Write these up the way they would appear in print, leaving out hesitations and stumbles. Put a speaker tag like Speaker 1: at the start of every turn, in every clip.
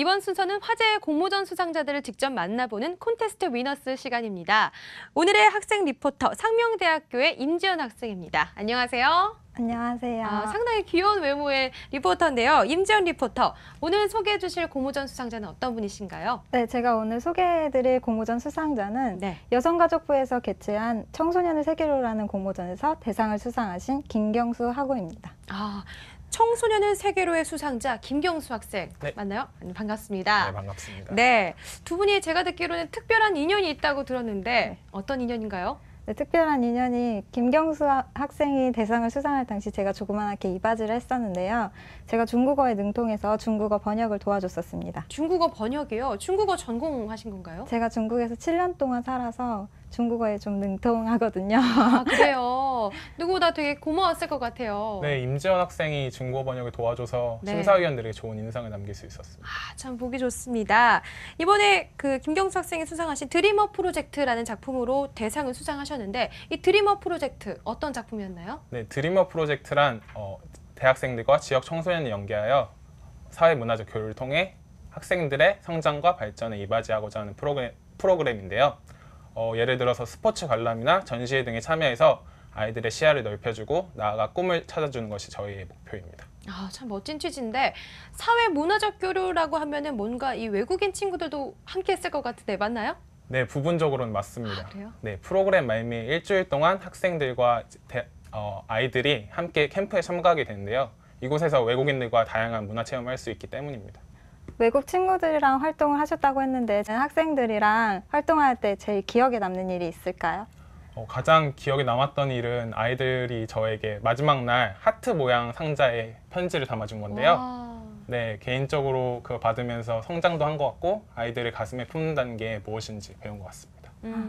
Speaker 1: 이번 순서는 화제의 공모전 수상자들을 직접 만나보는 콘테스트 위너스 시간입니다. 오늘의 학생 리포터 상명대학교의 임지연 학생입니다. 안녕하세요.
Speaker 2: 안녕하세요.
Speaker 1: 상당히 귀여운 외모의 리포터인데요. 임지연 리포터, 오늘 소개해 주실 공모전 수상자는 어떤 분이신가요?
Speaker 2: 네, 제가 오늘 소개해드릴 공모전 수상자는 여성가족부에서 개최한 청소년을 세계로라는 공모전에서 대상을 수상하신 김경수 학우입니다.
Speaker 1: 청소년을 세계로의 수상자 김경수 학생 맞나요? 반갑습니다.
Speaker 3: 네, 반갑습니다.
Speaker 1: 네, 두 분이 제가 듣기로는 특별한 인연이 있다고 들었는데 어떤 인연인가요?
Speaker 2: 네, 특별한 인연이 김경수 학생이 대상을 수상할 당시 제가 조그맣게 이바지를 했었는데요. 제가 중국어에 능통해서 중국어 번역을 도와줬었습니다.
Speaker 1: 중국어 번역이요? 중국어 전공하신 건가요?
Speaker 2: 제가 중국에서 7년 동안 살아서 중국어에 좀 능통하거든요.
Speaker 1: 그래요? 누구보다 되게 고마웠을 것 같아요.
Speaker 3: 네, 임지연 학생이 중국어 번역을 도와줘서 심사위원들에게 좋은 인상을 남길 수 있었습니다.
Speaker 1: 참 보기 좋습니다. 이번에 그 김경수 학생이 수상하신 드리머 프로젝트라는 작품으로 대상을 수상하셨는데 이 드리머 프로젝트 어떤 작품이었나요?
Speaker 3: 네, 드리머 프로젝트란 대학생들과 지역 청소년을 연계하여 사회문화적 교류를 통해 학생들의 성장과 발전에 이바지하고자 하는 프로그램인데요. 예를 들어서 스포츠 관람이나 전시회 등에 참여해서 아이들의 시야를 넓혀주고 나아가 꿈을 찾아주는 것이 저희의 목표입니다.
Speaker 1: 참 멋진 취지인데 사회문화적 교류라고 하면은 뭔가 이 외국인 친구들도 함께 했을 것 같은데 맞나요?
Speaker 3: 네, 부분적으로는 맞습니다.
Speaker 1: 그래요?
Speaker 3: 네, 프로그램 말미에 일주일 동안 학생들과 아이들이 함께 캠프에 참가하게 되는데요. 이곳에서 외국인들과 다양한 문화 체험을 할 수 있기 때문입니다.
Speaker 2: 외국 친구들이랑 활동을 하셨다고 했는데 학생들이랑 활동할 때 제일 기억에 남는 일이 있을까요?
Speaker 3: 가장 기억에 남았던 일은 아이들이 저에게 마지막 날 하트 모양 상자에 편지를 담아준 건데요. 네, 개인적으로 그거 받으면서 성장도 한 것 같고 아이들을 가슴에 품는다는 게 무엇인지 배운 것 같습니다.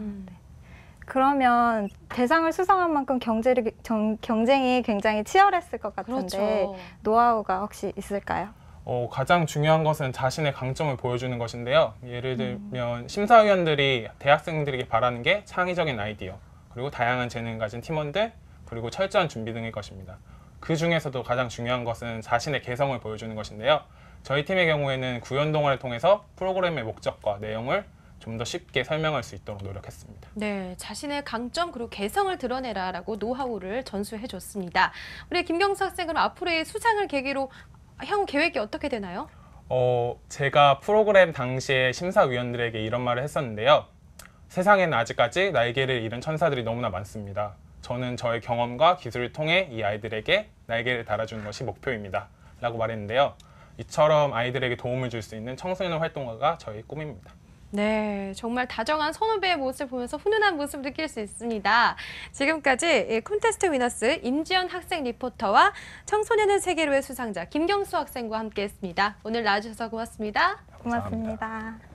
Speaker 2: 그러면 대상을 수상한 만큼 경쟁이 굉장히 치열했을 것 같은데 노하우가 혹시 있을까요?
Speaker 3: 가장 중요한 것은 자신의 강점을 보여주는 것인데요. 예를 들면 심사위원들이 대학생들에게 바라는 게 창의적인 아이디어, 그리고 다양한 재능을 가진 팀원들, 그리고 철저한 준비 등일 것입니다. 그 중에서도 가장 중요한 것은 자신의 개성을 보여주는 것인데요. 저희 팀의 경우에는 구연동화를 통해서 프로그램의 목적과 내용을 좀 더 쉽게 설명할 수 있도록 노력했습니다.
Speaker 1: 네, 자신의 강점 그리고 개성을 드러내라라고 노하우를 전수해 줬습니다. 우리 김경수 학생은 앞으로의 수상을 계기로 향후 계획이 어떻게 되나요?
Speaker 3: 제가 프로그램 당시에 심사위원들에게 이런 말을 했었는데요. 세상에는 아직까지 날개를 잃은 천사들이 너무나 많습니다. 저는 저의 경험과 기술을 통해 이 아이들에게 날개를 달아주는 것이 목표입니다. 라고 말했는데요. 이처럼 아이들에게 도움을 줄 수 있는 청소년 활동가가 저의 꿈입니다.
Speaker 1: 네, 정말 다정한 선후배의 모습을 보면서 훈훈한 모습을 느낄 수 있습니다. 지금까지 콘테스트 위너스 임지연 학생 리포터와 청소년은 세계로의 수상자 김경수 학생과 함께했습니다. 오늘 나와주셔서 고맙습니다.
Speaker 2: 고맙습니다.